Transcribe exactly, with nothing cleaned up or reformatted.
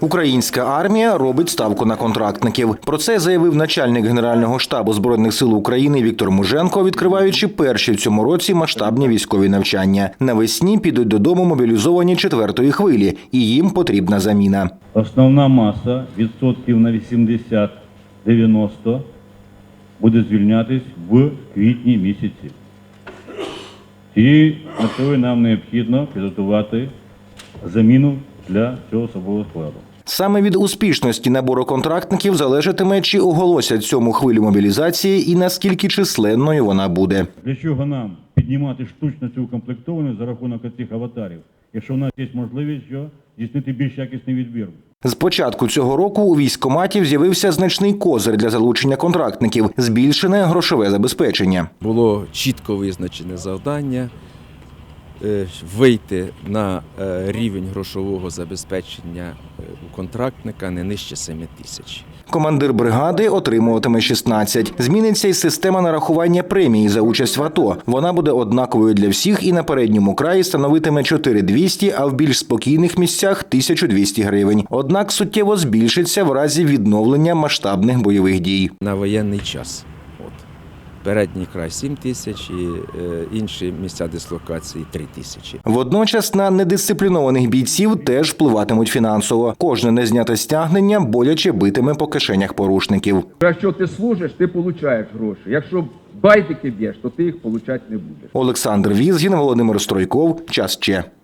Українська армія робить ставку на контрактників. Про це заявив начальник Генерального штабу Збройних сил України Віктор Муженко, відкриваючи перші в цьому році масштабні військові навчання. Навесні підуть додому мобілізовані четвертої хвилі, і їм потрібна заміна. Основна маса, відсотків на вісімдесят-дев'яносто, буде звільнятись в квітні місяці. Цією метою нам необхідно підготувати заміну для цього особового складу. Саме від успішності набору контрактників залежатиме, чи оголосять цьому хвилю мобілізації і наскільки численною вона буде. Для чого нам піднімати штучно цю укомплектованість за рахунок цих аватарів, якщо в нас є можливість що здійснити більш якісний відбір? З початку цього року у військкоматів з'явився значний козир для залучення контрактників – збільшене грошове забезпечення. Було чітко визначене завдання вийти на рівень грошового забезпечення у контрактника не нижче семи тисяч. Командир бригади отримуватиме шістнадцять. Зміниться й система нарахування премії за участь в АТО. Вона буде однаковою для всіх і на передньому краї становитиме чотири тисячі двісті, а в більш спокійних місцях – тисячу двісті гривень. Однак суттєво збільшиться в разі відновлення масштабних бойових дій. На воєнний час. Передній край – сім тисяч і інші місця дислокації – три тисячі. Водночас на недисциплінованих бійців теж впливатимуть фінансово. Кожне незняте стягнення боляче битиме по кишенях порушників. Якщо ти служиш, ти отримуєш гроші. Якщо байдики б'єш, то ти їх отримати не будеш. Олександр Візгін, Володимир Стройков. Час Че.